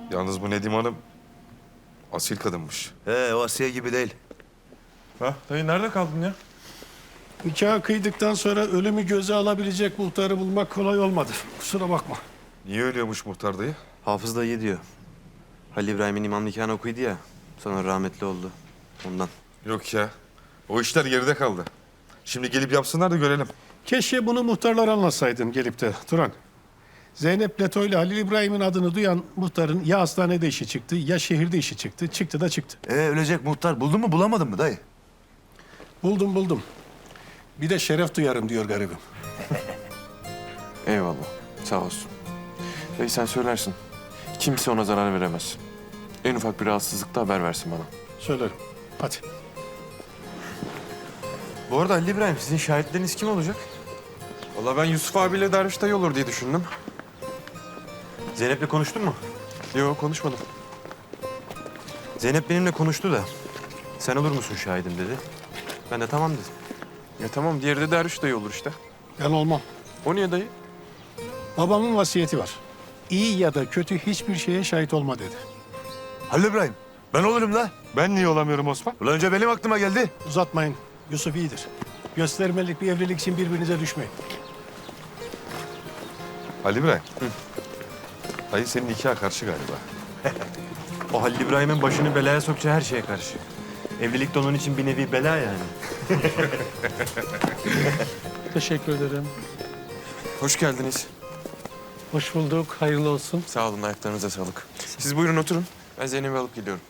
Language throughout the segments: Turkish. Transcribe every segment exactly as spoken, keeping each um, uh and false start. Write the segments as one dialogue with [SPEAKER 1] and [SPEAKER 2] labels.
[SPEAKER 1] Yalnız bu Nedim Hanım asil kadınmış.
[SPEAKER 2] He, o Asiye gibi değil.
[SPEAKER 3] Ha, dayı nerede kaldın ya?
[SPEAKER 4] Nikah kıydıktan sonra ölümü göze alabilecek muhtarı bulmak kolay olmadı. Kusura bakma.
[SPEAKER 1] Niye ölüyormuş muhtar dayı?
[SPEAKER 2] Hafız da iyi diyor. Halil İbrahim'in imam nikahını okuydu ya. Sonra rahmetli oldu. Ondan.
[SPEAKER 1] Yok ya. O işler geride kaldı. Şimdi gelip yapsınlar da görelim.
[SPEAKER 4] Keşke bunu muhtarlara anlatsaydın gelip de Turan. Zeynep Leto ile Halil İbrahim'in adını duyan muhtarın ya hastanede işi çıktı ya şehirde işi çıktı. Çıktı da çıktı.
[SPEAKER 5] Ee, ölecek muhtar. Buldun mu bulamadın mı dayı?
[SPEAKER 4] Buldum buldum. Bir de şeref duyarım diyor garibim.
[SPEAKER 3] Eyvallah. Sağ olsun. Dayı sen söylersin. Kimse ona zarar veremez. En ufak bir rahatsızlıkta haber versin bana.
[SPEAKER 4] Söylerim. Hadi.
[SPEAKER 3] Bu arada Halil İbrahim sizin şahitleriniz kim olacak? Vallahi ben Yusuf abiyle Derviş dayı olur diye düşündüm.
[SPEAKER 2] Zeynep'le konuştun mu?
[SPEAKER 3] Yok konuşmadım.
[SPEAKER 2] Zeynep benimle konuştu da. Sen olur musun şahidim dedi. Ben de tamam dedim.
[SPEAKER 3] Ya tamam diğeri de Derviş dayı olur işte.
[SPEAKER 4] Ben olmam.
[SPEAKER 3] O niye dayı?
[SPEAKER 4] Babamın vasiyeti var. İyi ya da kötü hiçbir şeye şahit olma dedi.
[SPEAKER 5] Halil İbrahim. Ben olurum la.
[SPEAKER 1] Ben niye olamıyorum Osman?
[SPEAKER 5] Ulan önce benim aklıma geldi.
[SPEAKER 4] Uzatmayın. Yusuf iyidir. Göstermelik bir evlilik için birbirinize düşmeyin.
[SPEAKER 1] Ali İbrahim. Dayı senin nikaha karşı galiba.
[SPEAKER 2] O Halil İbrahim'in başını belaya sokacağı her şeye karşı. Evlilik de onun için bir nevi bela yani.
[SPEAKER 6] Teşekkür ederim.
[SPEAKER 3] Hoş geldiniz.
[SPEAKER 6] Hoş bulduk. Hayırlı olsun.
[SPEAKER 3] Sağ olun ayaklarınıza sağlık. Siz buyurun oturun. Ben Zeynep'i alıp geliyorum.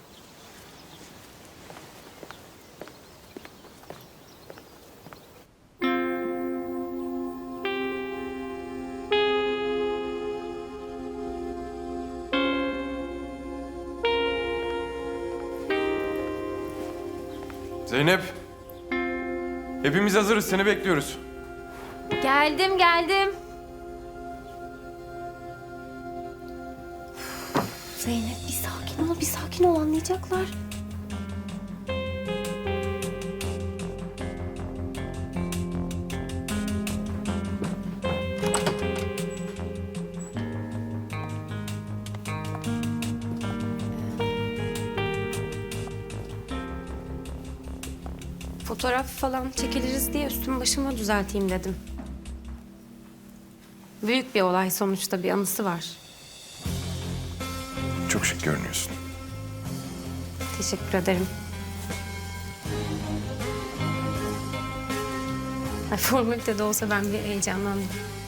[SPEAKER 3] Zeynep. Hepimiz hazırız. Seni bekliyoruz.
[SPEAKER 7] Geldim, geldim. Zeynep bir sakin ol, bir sakin ol anlayacaklar. Fotoğraf falan çekiliriz diye üstümü başımı düzelteyim dedim. Büyük bir olay sonuçta, bir anısı var.
[SPEAKER 3] Çok şık görünüyorsun.
[SPEAKER 7] Teşekkür ederim. Ay, formalite de olsa ben bir heyecanlandım.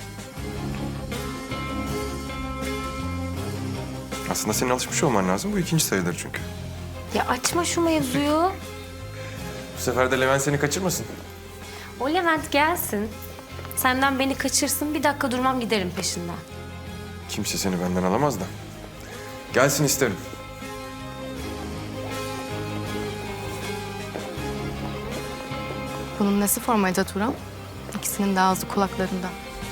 [SPEAKER 3] Aslında senin alışmış olman lazım. Bu ikinci sayılır çünkü.
[SPEAKER 7] Ya açma şu mevzuyu.
[SPEAKER 3] Bu sefer de Levent seni kaçırmasın.
[SPEAKER 7] O Levent gelsin. Senden beni kaçırsın. Bir dakika durmam, giderim peşinden.
[SPEAKER 3] Kimse seni benden alamaz da. Gelsin isterim.
[SPEAKER 8] Bunun nesi formalite Turan? İkisinin de ağzı kulaklarında.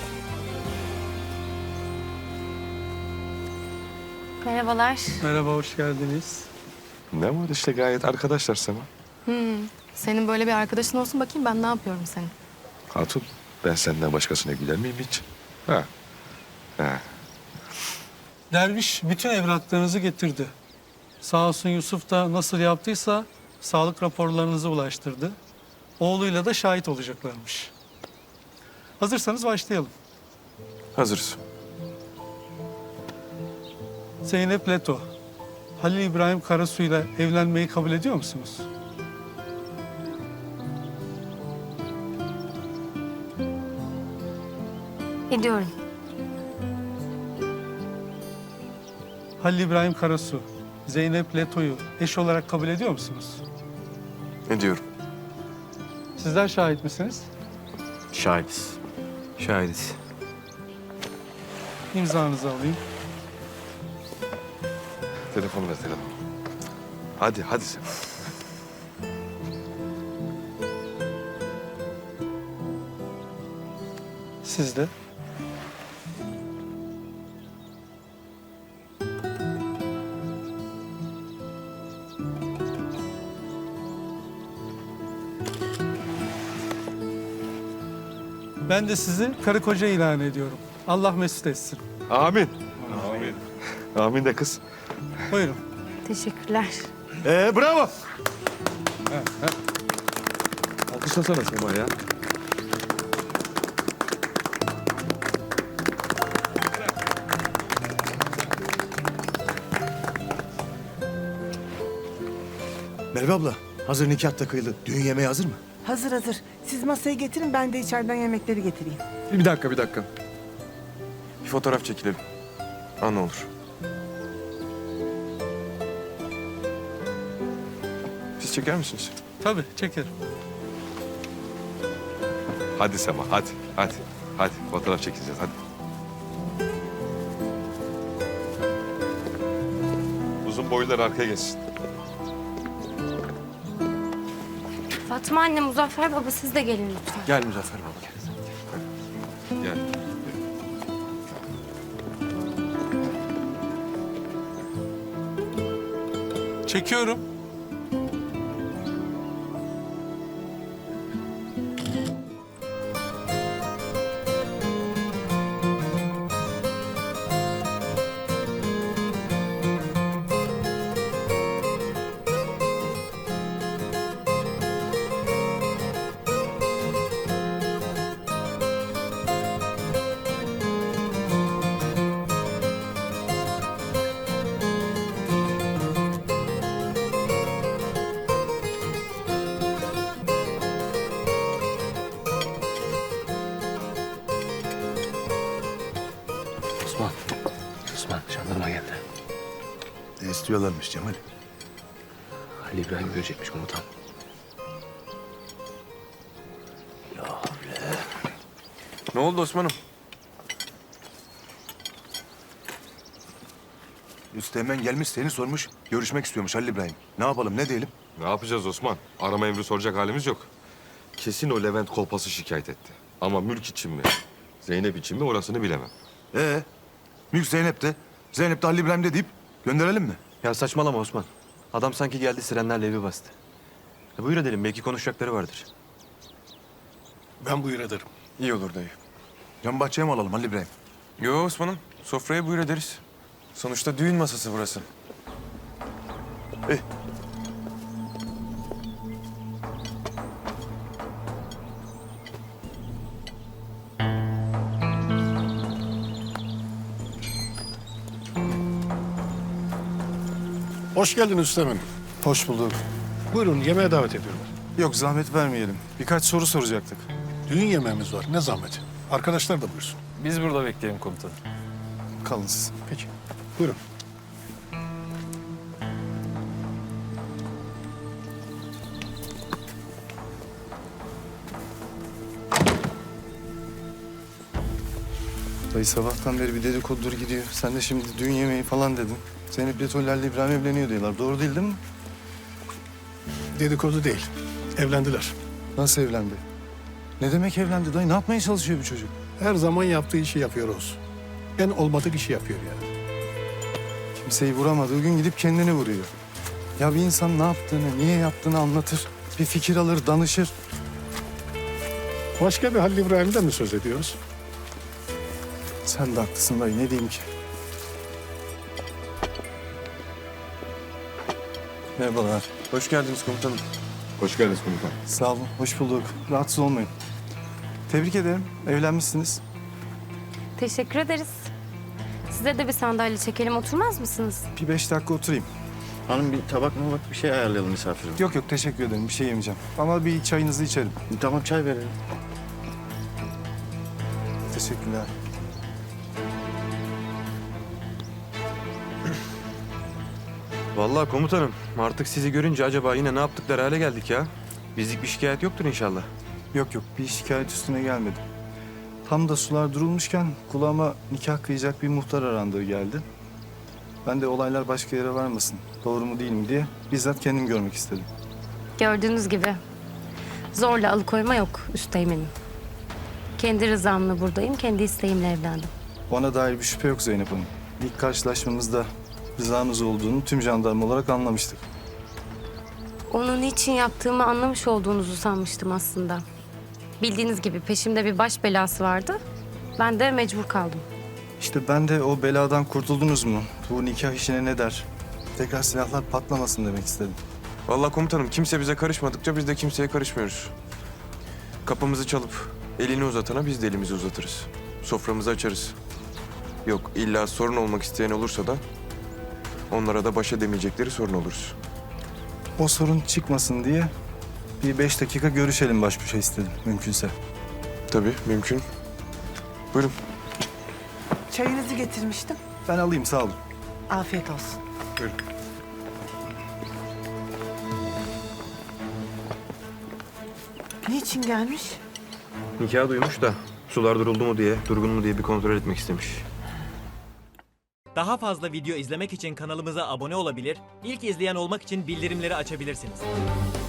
[SPEAKER 7] Merhabalar.
[SPEAKER 6] Merhaba, hoş geldiniz.
[SPEAKER 1] Ne var işte gayet arkadaşlar Sema.
[SPEAKER 8] Senin böyle bir arkadaşın olsun bakayım ben ne yapıyorum senin.
[SPEAKER 1] Hatun ben senden başkasına güler miyim hiç? Ha. Ha.
[SPEAKER 6] Derviş bütün evraklarınızı getirdi. Sağ olsun Yusuf da nasıl yaptıysa sağlık raporlarınızı ulaştırdı. Oğluyla da şahit olacaklarmış. Hazırsanız başlayalım.
[SPEAKER 3] Hazırız.
[SPEAKER 6] Zeynep Leto, Halil İbrahim Karasu'yla evlenmeyi kabul ediyor musunuz?
[SPEAKER 7] Ediyorum.
[SPEAKER 6] Halil İbrahim Karasu, Zeynep Leto'yu eş olarak kabul ediyor musunuz?
[SPEAKER 3] Ediyorum.
[SPEAKER 6] Sizler şahit misiniz?
[SPEAKER 2] Şahidiz. Şahidiz.
[SPEAKER 6] İmzanızı alayım.
[SPEAKER 1] Telefonu ver telefonu. Hadi hadi Sema.
[SPEAKER 6] Siz de. Ben de sizi karı koca ilan ediyorum. Allah mesut etsin.
[SPEAKER 1] Amin. Amin. Amin de kız.
[SPEAKER 6] Buyurun.
[SPEAKER 7] Teşekkürler.
[SPEAKER 5] Ee bravo.
[SPEAKER 1] Alkışlasana Sema ya.
[SPEAKER 5] Merve abla, hazır nikah da kıyıldı. Düğün yemeği hazır mı?
[SPEAKER 9] Hazır hazır. Siz masayı getirin, ben de içeriden yemekleri getireyim.
[SPEAKER 3] Bir dakika, bir dakika. Bir fotoğraf çekilelim. Ha ne olur. Siz çeker misiniz?
[SPEAKER 6] Tabii çekerim.
[SPEAKER 1] Hadi Sema hadi hadi. Hadi fotoğraf çekeceğiz hadi. Uzun boylular arkaya geçsin.
[SPEAKER 7] Fatma anne, Muzaffer baba siz de gelin lütfen.
[SPEAKER 3] Gel Muzaffer baba gel.
[SPEAKER 1] Gel.
[SPEAKER 6] Çekiyorum.
[SPEAKER 10] Osman. Osman jandarma geldi.
[SPEAKER 5] Ne istiyorlarmış Cemal?
[SPEAKER 10] Halil İbrahim görecekmiş komutan.
[SPEAKER 3] Ne oldu Osman'ım?
[SPEAKER 5] Üsteğmen gelmiş seni sormuş. Görüşmek istiyormuş Halil İbrahim. Ne yapalım ne diyelim?
[SPEAKER 1] Ne yapacağız Osman? Arama emri soracak halimiz yok. Kesin o Levent kolpası şikayet etti. Ama mülk için mi? Zeynep için mi orasını bilemem.
[SPEAKER 5] Ee, Mülk Zeynep'te. Zeynep de Halil İbrahim'de deyip gönderelim mi?
[SPEAKER 2] Ya saçmalama Osman. Adam sanki geldi sirenlerle evi bastı. Ya buyur edelim, belki konuşacakları vardır.
[SPEAKER 4] Ben buyur ederim.
[SPEAKER 3] İyi olur dayı.
[SPEAKER 5] Can bahçeye mi alalım Halil İbrahim?
[SPEAKER 3] Yo Osman'ım, sofraya buyur ederiz. Sonuçta düğün masası burası.
[SPEAKER 4] Hoş geldin Üsteğmen.
[SPEAKER 11] Hoş bulduk.
[SPEAKER 4] Buyurun, yemeğe davet ediyorum.
[SPEAKER 11] Yok zahmet vermeyelim. Birkaç soru soracaktık.
[SPEAKER 4] Düğün yemeğimiz var, ne zahmet. Arkadaşlar da buyursun.
[SPEAKER 2] Biz burada bekleyelim komutanım.
[SPEAKER 11] Kalın siz.
[SPEAKER 4] Peki, buyurun.
[SPEAKER 11] Dayı sabahtan beri bir dedikodudur gidiyor. Sen de şimdi düğün yemeği falan dedin. Zeynep Letoller'le İbrahim evleniyor diyorlar. Doğru değil değil mi?
[SPEAKER 4] Dedikodu değil, evlendiler.
[SPEAKER 11] Nasıl evlendi? Ne demek evlendi dayı? Ne yapmaya çalışıyor bu çocuk?
[SPEAKER 4] Her zaman yaptığı işi yapıyoruz. En olmadık işi yapıyor yani.
[SPEAKER 11] Kimseyi vuramadığı gün gidip kendini vuruyor. Ya bir insan ne yaptığını, niye yaptığını anlatır. Bir fikir alır, danışır.
[SPEAKER 4] Başka bir Halil İbrahim'den mi söz ediyoruz?
[SPEAKER 11] Sen de haklısın dayı. Ne diyeyim ki? Merhabalar.
[SPEAKER 3] Hoş geldiniz komutanım.
[SPEAKER 1] Hoş geldiniz komutan.
[SPEAKER 11] Sağ olun. Hoş bulduk. Rahatsız olmayın. Tebrik ederim. Evlenmişsiniz.
[SPEAKER 7] Teşekkür ederiz. Size de bir sandalye çekelim, oturmaz mısınız?
[SPEAKER 11] Bir beş dakika oturayım.
[SPEAKER 10] Hanım bir tabak mı bak bir şey ayarlayalım misafirim.
[SPEAKER 11] Yok yok teşekkür ederim. Bir şey yemeyeceğim. Ama bir çayınızı içerim.
[SPEAKER 10] Tamam çay verelim.
[SPEAKER 11] Teşekkürler.
[SPEAKER 2] Vallahi komutanım, artık sizi görünce acaba yine ne yaptıkları hale geldik ya. Bizlik bir şikayet yoktur inşallah.
[SPEAKER 11] Yok yok bir şikayet üstüne gelmedim. Tam da sular durulmuşken kulağıma nikah kıyacak bir muhtar arandığı geldi. Ben de olaylar başka yere varmasın, doğru mu değil mi diye bizzat kendim görmek istedim.
[SPEAKER 7] Gördüğünüz gibi zorla alıkoyma yok üsteğmenim. Kendi rızamla buradayım, kendi isteğimle evlendim.
[SPEAKER 11] Bana dair bir şüphe yok Zeynep Hanım. İlk karşılaşmamızda rızanız olduğunu tüm jandarma olarak anlamıştık.
[SPEAKER 7] Onun niçin yaptığımı anlamış olduğunuzu sanmıştım aslında. Bildiğiniz gibi peşimde bir baş belası vardı. Ben de mecbur kaldım.
[SPEAKER 11] İşte ben de o beladan kurtuldunuz mu? Bu nikah işine ne der? Tekrar silahlar patlamasın demek istedim.
[SPEAKER 3] Vallahi komutanım kimse bize karışmadıkça biz de kimseye karışmıyoruz. Kapımızı çalıp elini uzatana biz de elimizi uzatırız. Soframızı açarız. Yok illa sorun olmak isteyen olursa da onlara da baş edemeyecekleri sorun oluruz.
[SPEAKER 11] O sorun çıkmasın diye bir beş dakika görüşelim baş başa istedim mümkünse.
[SPEAKER 3] Tabii mümkün. Buyurun.
[SPEAKER 9] Çayınızı getirmiştim.
[SPEAKER 11] Ben alayım sağ olun.
[SPEAKER 9] Afiyet olsun.
[SPEAKER 3] Buyurun.
[SPEAKER 9] Niçin gelmiş?
[SPEAKER 2] Nikah duymuş da sular duruldu mu diye, durgun mu diye bir kontrol etmek istemiş.
[SPEAKER 12] Daha fazla video izlemek için kanalımıza abone olabilir, ilk izleyen olmak için bildirimleri açabilirsiniz.